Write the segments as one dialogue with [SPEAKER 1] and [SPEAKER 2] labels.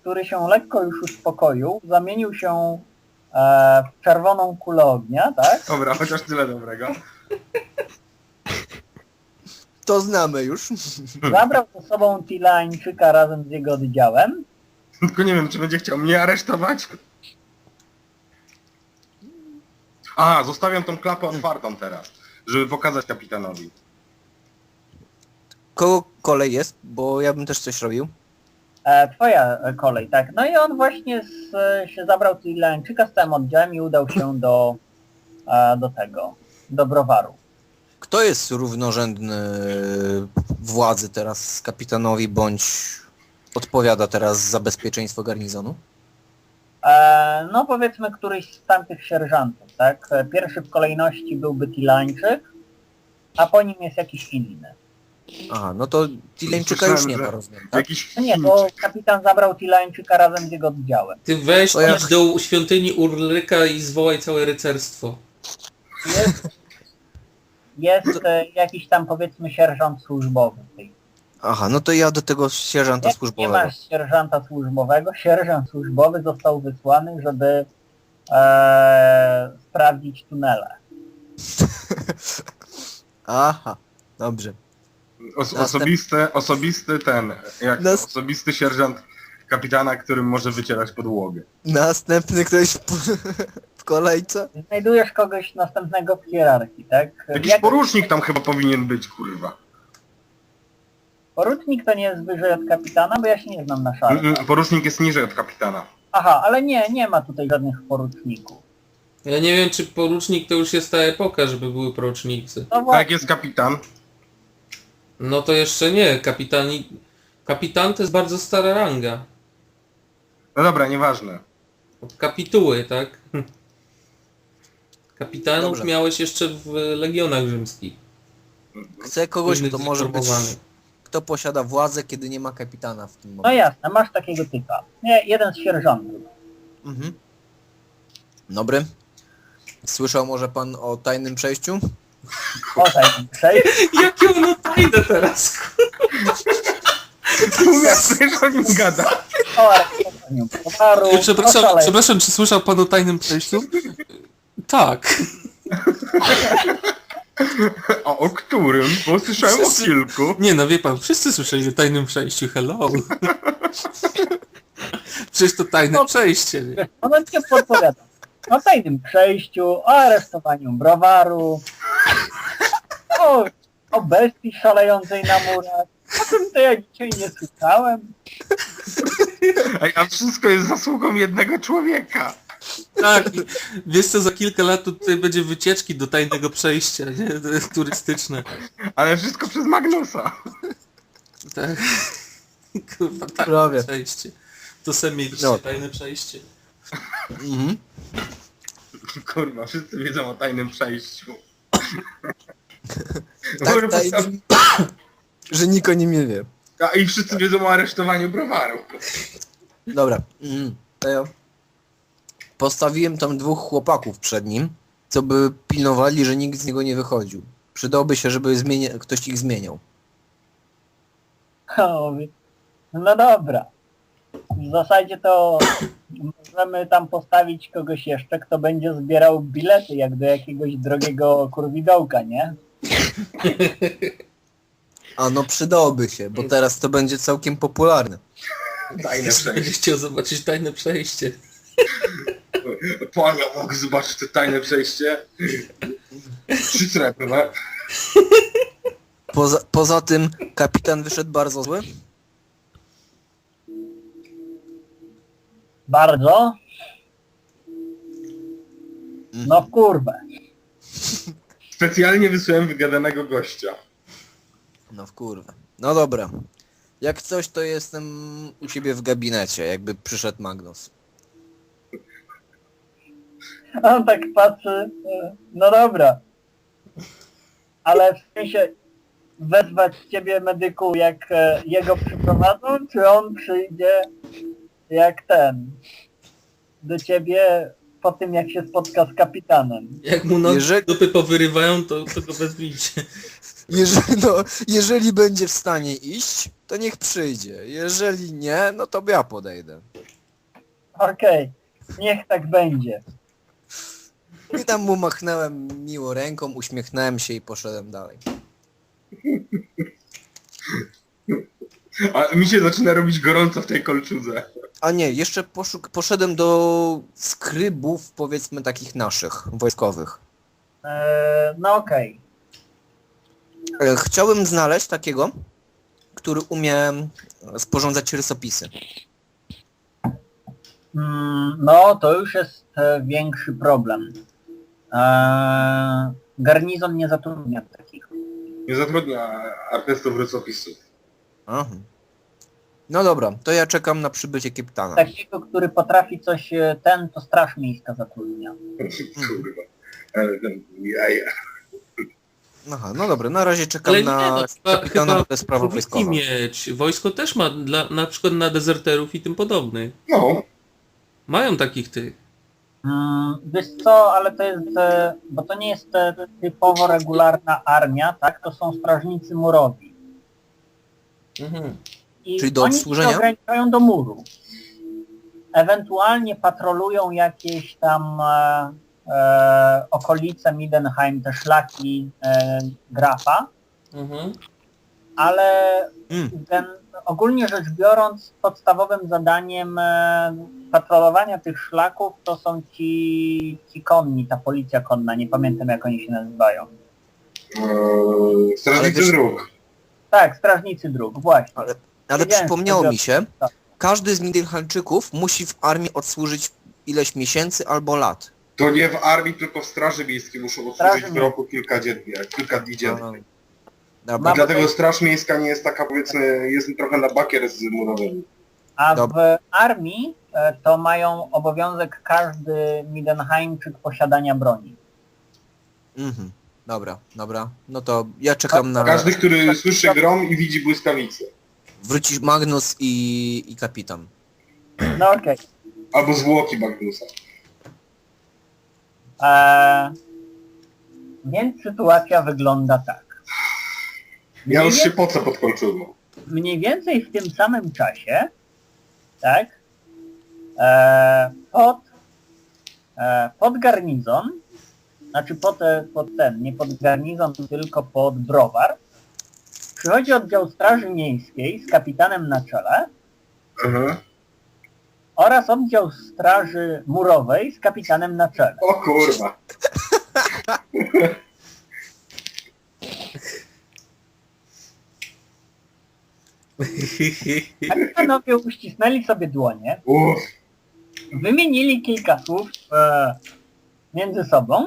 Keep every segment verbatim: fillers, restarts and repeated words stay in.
[SPEAKER 1] który się lekko już uspokoił, zamienił się e, w czerwoną kulę ognia, tak?
[SPEAKER 2] Dobra, chociaż tyle dobrego.
[SPEAKER 3] To znamy już.
[SPEAKER 1] Zabrał ze sobą Tilańczyka razem z jego oddziałem.
[SPEAKER 2] Tylko nie wiem, czy będzie chciał mnie aresztować. A, zostawiam tą klapę otwartą teraz, żeby pokazać kapitanowi.
[SPEAKER 3] Kogo kolej jest? Bo ja bym też coś robił.
[SPEAKER 1] E, twoja kolej, tak. No i on właśnie z, się zabrał Tilańczyka z całym oddziałem i udał się do, e, do tego, do browaru.
[SPEAKER 3] Kto jest równorzędny władzy teraz kapitanowi, bądź odpowiada teraz za bezpieczeństwo garnizonu?
[SPEAKER 1] E, no powiedzmy któryś z tamtych sierżantów, tak? Pierwszy w kolejności byłby Tilańczyk, a po nim jest jakiś inny.
[SPEAKER 3] Aha, no to Tileńczyka już nie ma,
[SPEAKER 2] że
[SPEAKER 3] rozumiem, tak?
[SPEAKER 2] jakiś
[SPEAKER 1] No nie, bo kapitan zabrał Tilańczyka razem z jego oddziałem.
[SPEAKER 4] Ty weź
[SPEAKER 3] To ja-
[SPEAKER 4] idź do świątyni Urlyka i zwołaj całe rycerstwo.
[SPEAKER 1] Jest, jest e, jakiś tam powiedzmy sierżant służbowy w tej.
[SPEAKER 3] Aha, no to ja do tego sierżanta
[SPEAKER 1] Nie, nie
[SPEAKER 3] służbowego.
[SPEAKER 1] masz sierżanta służbowego. Sierżant służbowy został wysłany, żeby e, sprawdzić tunele.
[SPEAKER 3] Aha, dobrze.
[SPEAKER 2] os
[SPEAKER 3] Następ-
[SPEAKER 2] osobisty, osobisty ten, jak to,
[SPEAKER 3] Nas-
[SPEAKER 2] osobisty sierżant kapitana, którym może wycierać podłogę.
[SPEAKER 3] Następny ktoś w, w kolejce?
[SPEAKER 1] Znajdujesz kogoś następnego w hierarchii, tak?
[SPEAKER 2] Jakiś
[SPEAKER 1] Jak-
[SPEAKER 2] porucznik tam chyba powinien być, kurwa.
[SPEAKER 1] Porucznik to nie jest wyżej od kapitana, bo ja się nie znam na szale.
[SPEAKER 2] Mm, mm, Porucznik jest niżej od kapitana.
[SPEAKER 1] Aha, ale nie, nie ma tutaj żadnych poruczników.
[SPEAKER 4] Ja nie wiem, czy porucznik to już jest ta epoka, żeby były porucznicy.
[SPEAKER 1] No
[SPEAKER 2] A jak
[SPEAKER 1] właśnie,
[SPEAKER 2] jest kapitan?
[SPEAKER 4] No to jeszcze nie. Kapitan, kapitan to jest bardzo stara ranga.
[SPEAKER 2] No dobra, nieważne.
[SPEAKER 4] Od kapituły, tak? Kapitanów
[SPEAKER 3] Dobrze.
[SPEAKER 4] miałeś jeszcze w legionach rzymskich.
[SPEAKER 3] Chcę kogoś,
[SPEAKER 4] Innych
[SPEAKER 3] kto może być...
[SPEAKER 4] zreformowanych.
[SPEAKER 3] Kto posiada władzę, kiedy nie ma kapitana w tym
[SPEAKER 1] no
[SPEAKER 3] momencie.
[SPEAKER 1] jasne, masz takiego typa. Nie, jeden z sierżantów.
[SPEAKER 3] Mhm. Dobry. Słyszał może pan o tajnym przejściu?
[SPEAKER 1] O tak, przejść.
[SPEAKER 4] Jakie ono tajne teraz?
[SPEAKER 2] Mówię, że o nim gada.
[SPEAKER 1] O aresztowaniu towaru.
[SPEAKER 4] Przepraszam,
[SPEAKER 1] o szale-
[SPEAKER 4] przepraszam, czy słyszał pan o tajnym przejściu? Tak.
[SPEAKER 2] A o którym? Bo słyszałem o
[SPEAKER 4] Wszyscy-
[SPEAKER 2] kilku.
[SPEAKER 4] Nie no, wie pan, wszyscy słyszeli o tajnym przejściu, hello. Przecież to tajne
[SPEAKER 1] No.
[SPEAKER 4] przejście, nie?
[SPEAKER 1] Wiesz, ono cię podpowiada. O tajnym przejściu, o aresztowaniu browaru, o, o bestii szalejącej na murach. O tym to ja dzisiaj nie słyszałem.
[SPEAKER 2] Ej, a wszystko jest zasługą jednego człowieka.
[SPEAKER 4] Tak, i wiesz co, za kilka lat tutaj będzie wycieczki do tajnego przejścia, nie? Turystyczne.
[SPEAKER 2] Ale wszystko przez Magnusa.
[SPEAKER 4] Tak. Kurwa, tajne
[SPEAKER 3] Prawie.
[SPEAKER 4] przejście. To sam mieliście
[SPEAKER 3] No.
[SPEAKER 4] tajne przejście.
[SPEAKER 3] Mhm.
[SPEAKER 2] Kurwa, wszyscy wiedzą o tajnym przejściu.
[SPEAKER 3] Tak
[SPEAKER 2] Kurwa,
[SPEAKER 3] tajnym, że nikt o nim nie wie.
[SPEAKER 2] a i wszyscy wiedzą o aresztowaniu browaru.
[SPEAKER 3] Dobra. Mhm. To ja postawiłem tam dwóch chłopaków przed nim, co by pilnowali, że nikt z niego nie wychodził. Przydałoby się, żeby zmienia... ktoś ich zmieniał.
[SPEAKER 1] O, mówię, no dobra. W zasadzie to możemy tam postawić kogoś jeszcze, kto będzie zbierał bilety, jak do jakiegoś drogiego kurwidołka, nie?
[SPEAKER 3] A no przydałoby się, bo teraz to będzie całkiem popularne.
[SPEAKER 2] Tajne
[SPEAKER 4] Będę
[SPEAKER 2] przejście.
[SPEAKER 4] chciał zobaczyć tajne przejście.
[SPEAKER 2] Pania, mogę zobaczyć to tajne przejście? Trzy srebrne.
[SPEAKER 3] Poza, poza tym kapitan wyszedł bardzo zły.
[SPEAKER 1] Bardzo? No w kurwę.
[SPEAKER 2] Specjalnie wysłałem wygadanego gościa.
[SPEAKER 3] No w kurwę. No dobra. Jak coś, to jestem u ciebie w gabinecie, jakby przyszedł Magnus.
[SPEAKER 1] A on tak patrzy, e, no dobra. Ale w sensie wezwać ciebie medyku, jak e, jego przyprowadzą, czy on przyjdzie jak ten do ciebie po tym, jak się spotka z kapitanem?
[SPEAKER 4] Jak mu nogi
[SPEAKER 3] Jeżeli-
[SPEAKER 4] dupy powyrywają, to, to go wezwijcie.
[SPEAKER 3] Jeżeli, no, jeżeli będzie w stanie iść, to niech przyjdzie. Jeżeli nie, no to ja podejdę.
[SPEAKER 1] Okej, niech tak będzie.
[SPEAKER 3] I tam mu machnąłem miło ręką, uśmiechnąłem się i poszedłem dalej.
[SPEAKER 2] A mi się zaczyna robić gorąco w tej kolczudze.
[SPEAKER 3] A nie, jeszcze poszuk poszedłem do skrybów, powiedzmy takich naszych, wojskowych.
[SPEAKER 1] Eee, no okej.
[SPEAKER 3] E, Chciałem znaleźć takiego, który umie sporządzać rysopisy.
[SPEAKER 1] Mm, no to już jest e, większy problem. Eee, garnizon nie zatrudnia takich.
[SPEAKER 2] Nie zatrudnia artystów rysopisów.
[SPEAKER 3] Aha. No dobra, to ja czekam na przybycie kapitana.
[SPEAKER 1] Takiego, który potrafi coś e, ten, to straż miejska zatrudnia.
[SPEAKER 2] Kurwa. Ale ten jaja.
[SPEAKER 3] Aha, no dobra, na razie czekam
[SPEAKER 4] Ale nie,
[SPEAKER 3] na
[SPEAKER 4] no, chyba,
[SPEAKER 3] kapitana,
[SPEAKER 4] chyba
[SPEAKER 3] to jest sprawa
[SPEAKER 4] powinni
[SPEAKER 3] wojskowa.
[SPEAKER 4] mieć. Wojsko też ma dla, na przykład na dezerterów i tym podobnych.
[SPEAKER 2] No.
[SPEAKER 4] Mają takich tych.
[SPEAKER 1] Mm, wiesz co, ale to jest, e, bo to nie jest e, typowo regularna armia, tak? To są strażnicy murowi.
[SPEAKER 4] Mhm.
[SPEAKER 1] I
[SPEAKER 3] Czyli do
[SPEAKER 1] oni
[SPEAKER 3] obsłużenia?
[SPEAKER 1] się ograniczają do muru. Ewentualnie patrolują jakieś tam e, e, okolice Midenheim, te szlaki e, Grafa,
[SPEAKER 4] Mhm.
[SPEAKER 1] ale
[SPEAKER 3] Mm.
[SPEAKER 1] ten, ogólnie rzecz biorąc podstawowym zadaniem e, patrolowania tych szlaków to są ci, ci konni, ta policja konna, nie pamiętam jak oni się nazywają.
[SPEAKER 2] Eee, Strażnicy
[SPEAKER 3] wiesz-
[SPEAKER 2] dróg.
[SPEAKER 1] Tak, strażnicy dróg, właśnie.
[SPEAKER 3] Ale, ale
[SPEAKER 1] Wiedziałem,
[SPEAKER 3] przypomniało
[SPEAKER 1] że-
[SPEAKER 3] mi się,
[SPEAKER 1] tak.
[SPEAKER 3] każdy z Midenheimczyków musi w armii odsłużyć ileś miesięcy albo lat.
[SPEAKER 2] To nie w armii, tylko w Straży Miejskiej muszą
[SPEAKER 1] Straży
[SPEAKER 2] odsłużyć w roku kilka dziennie, kilka dni dziennie.
[SPEAKER 3] Dobra.
[SPEAKER 1] Mam-
[SPEAKER 2] I dlatego Straż Miejska nie jest taka, powiedzmy, jest trochę na bakier z murowymi.
[SPEAKER 1] A
[SPEAKER 3] Dobra.
[SPEAKER 1] w armii e, to mają obowiązek każdy Midenheimczyk posiadania broni.
[SPEAKER 3] Mhm. Dobra, dobra. No to ja czekam na...
[SPEAKER 2] Każdy, który słyszy grom i widzi błyskawicę.
[SPEAKER 3] Wrócić Magnus i, i kapitan.
[SPEAKER 1] No okej.
[SPEAKER 2] Albo zwłoki Magnusa.
[SPEAKER 1] E, Więc sytuacja wygląda tak.
[SPEAKER 2] Ja
[SPEAKER 1] Mniej
[SPEAKER 2] już się
[SPEAKER 1] więcej-
[SPEAKER 2] pocę pod kolczugą.
[SPEAKER 1] Mniej więcej w tym samym czasie, tak, e, pod, e, pod garnizon, znaczy pod, e, pod ten, nie pod garnizon, tylko pod browar, przychodzi oddział Straży Miejskiej z kapitanem na czele
[SPEAKER 2] Aha.
[SPEAKER 1] oraz oddział Straży Murowej z kapitanem na czele.
[SPEAKER 2] O kurwa.
[SPEAKER 1] Kapitanowie uścisnęli sobie dłonie,
[SPEAKER 2] Uff.
[SPEAKER 1] wymienili kilka słów e, między sobą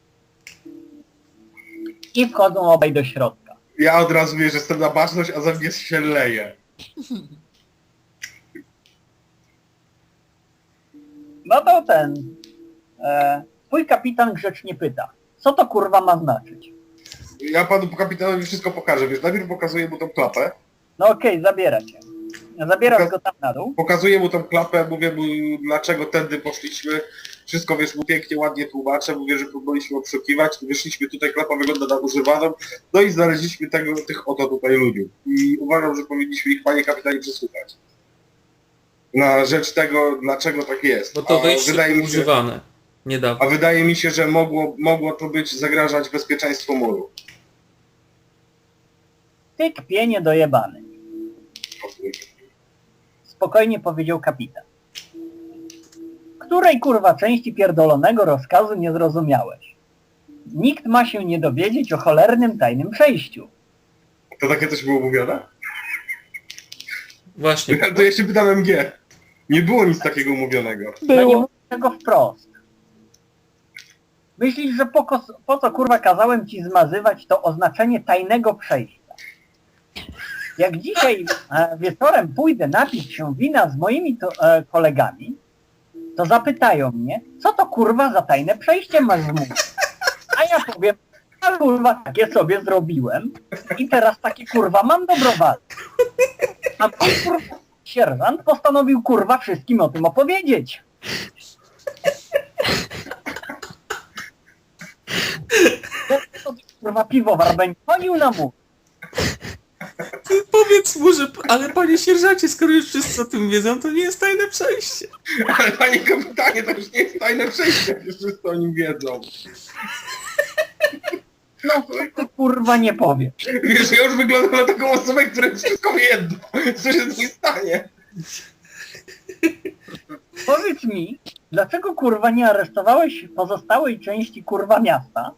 [SPEAKER 1] i wchodzą obaj do środka.
[SPEAKER 2] Ja od razu wiem, że jestem na baczność, a ze mnie się leje.
[SPEAKER 1] No to ten, e, twój kapitan grzecznie pyta, co to kurwa ma znaczyć?
[SPEAKER 2] Ja panu kapitanowi wszystko pokażę, wiesz, najpierw pokazuję mu tą klapę,
[SPEAKER 1] No okej, zabiera cię. Zabierasz go tam na dół.
[SPEAKER 2] pokazuję mu tą klapę, mówię mu dlaczego tędy poszliśmy, wszystko wiesz mu pięknie, ładnie tłumaczę, mówię, że próbowaliśmy obszukiwać, wyszliśmy tutaj, klapa wygląda na używaną, no i znaleźliśmy tego, tych oto tutaj ludzi. I uważam, że powinniśmy ich, panie kapitanie, przesłuchać. Na rzecz tego, dlaczego tak jest.
[SPEAKER 4] Bo to
[SPEAKER 2] A
[SPEAKER 4] wejście
[SPEAKER 2] wydaje mi się,
[SPEAKER 4] używane. Niedawno.
[SPEAKER 2] a wydaje mi się, że mogło, mogło to być zagrażać bezpieczeństwu muru.
[SPEAKER 1] Ty kpienie dojebany. Spokojnie powiedział kapitan. Której kurwa części pierdolonego rozkazu nie zrozumiałeś? Nikt ma się nie dowiedzieć o cholernym tajnym przejściu.
[SPEAKER 2] To takie coś było mówione?
[SPEAKER 4] Właśnie.
[SPEAKER 2] To ja się pytam M G. Nie było nic takiego mówionego.
[SPEAKER 1] No nie mówię tego wprost. Myślisz, że po, kos- po co kurwa kazałem ci zmazywać to oznaczenie tajnego przejścia? Jak dzisiaj e, wieczorem pójdę napić się wina z moimi to, e, kolegami, to zapytają mnie, co to kurwa za tajne przejście masz mówić? A ja powiem, a kurwa takie sobie zrobiłem i teraz takie kurwa mam dobrowolne. A mój kurwa sierżant postanowił kurwa wszystkim o tym opowiedzieć. To kurwa piwowar będzie chodził na mu.
[SPEAKER 4] Ty powiedz mu, że... Ale panie sierżancie, skoro już wszyscy o tym wiedzą, to nie jest tajne przejście.
[SPEAKER 2] Ale panie kapitanie, to już nie jest tajne przejście, jak już wszyscy o nim wiedzą.
[SPEAKER 1] No to kurwa nie powie.
[SPEAKER 2] Wiesz, ja już wyglądam na taką osobę, która wszystko wie jedno. Co się z nim stanie?
[SPEAKER 1] Powiedz mi, dlaczego kurwa nie aresztowałeś pozostałej części kurwa miasta,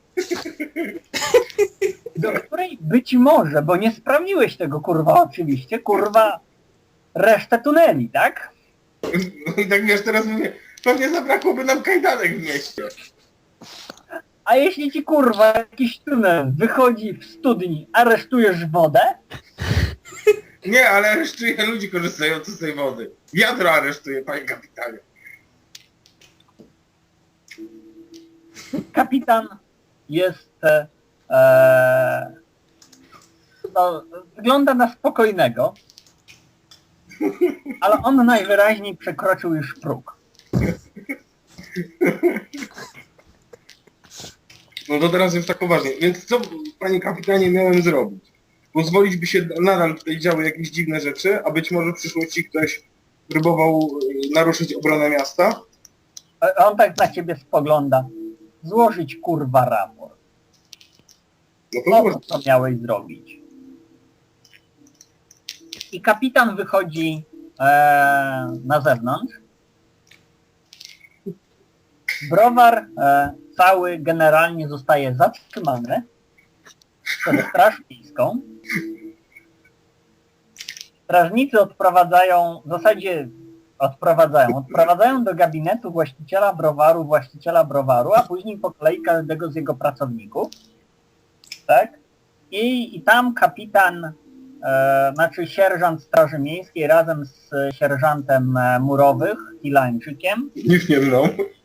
[SPEAKER 1] do której być może, bo nie sprawdziłeś tego kurwa oczywiście, kurwa resztę tuneli, tak?
[SPEAKER 2] No i tak wiesz, teraz mówię, pewnie zabrakłoby nam kajdanek w mieście.
[SPEAKER 1] A jeśli ci kurwa jakiś tunel wychodzi w studni, aresztujesz wodę?
[SPEAKER 2] Nie, ale aresztuję ludzi korzystających z tej wody. Wiadro aresztuję, panie kapitanie.
[SPEAKER 1] Kapitan jest... E, e, no, wygląda na spokojnego, ale on najwyraźniej przekroczył już próg.
[SPEAKER 2] No to teraz już tak poważnie. Więc co, panie kapitanie, miałem zrobić? Pozwolić, by się nadal tutaj działy jakieś dziwne rzeczy, a być może w przyszłości ktoś próbował y, naruszyć obronę miasta?
[SPEAKER 1] E, On tak na ciebie spogląda. Złożyć kurwa raport.
[SPEAKER 2] No to
[SPEAKER 1] O
[SPEAKER 2] może.
[SPEAKER 1] co miałeś zrobić? I kapitan wychodzi e, na zewnątrz. Browar e, cały generalnie zostaje zatrzymany przez straż miejską. Strażnicy odprowadzają, w zasadzie odprowadzają, odprowadzają do gabinetu właściciela browaru, właściciela browaru, a później po kolei każdego z jego pracowników. Tak? I, i tam kapitan, e, znaczy sierżant Straży Miejskiej razem z sierżantem e, murowych Ilańczykiem
[SPEAKER 2] Nikt nie mną.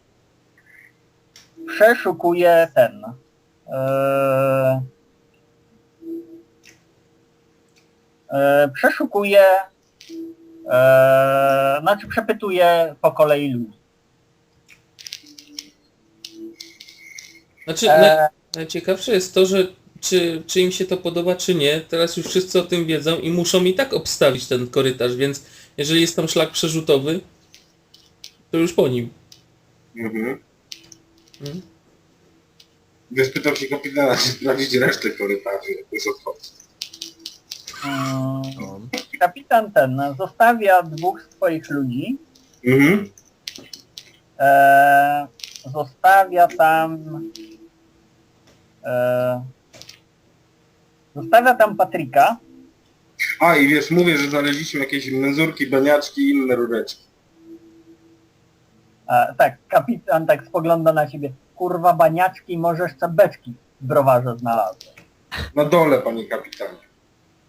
[SPEAKER 1] przeszukuje ten e, e, przeszukuje e, znaczy przepytuje po kolei ludzi.
[SPEAKER 4] Znaczy, naj,
[SPEAKER 1] E,
[SPEAKER 4] najciekawsze jest to, że czy, czy im się to podoba, czy nie, teraz już wszyscy o tym wiedzą i muszą i tak obstawić ten korytarz, więc jeżeli jest tam szlak przerzutowy, to już po nim.
[SPEAKER 2] Mhm.
[SPEAKER 4] Hmm?
[SPEAKER 2] Więc pytam się kapitana, czy sprawdzić resztę korytarzy, jak już odchodzi.
[SPEAKER 1] mm,
[SPEAKER 3] No.
[SPEAKER 1] kapitan ten zostawia dwóch swoich ludzi.
[SPEAKER 2] Mhm.
[SPEAKER 1] E, zostawia tam e, zostawia tam Patryka.
[SPEAKER 2] A i wiesz, mówię, że znaleźliśmy jakieś menzurki, baniaczki i inne rureczki.
[SPEAKER 1] E, tak, kapitan tak spogląda na ciebie. Kurwa baniaczki, może jeszcze beczki w browarze znalazłem.
[SPEAKER 2] Na dole, panie kapitanie.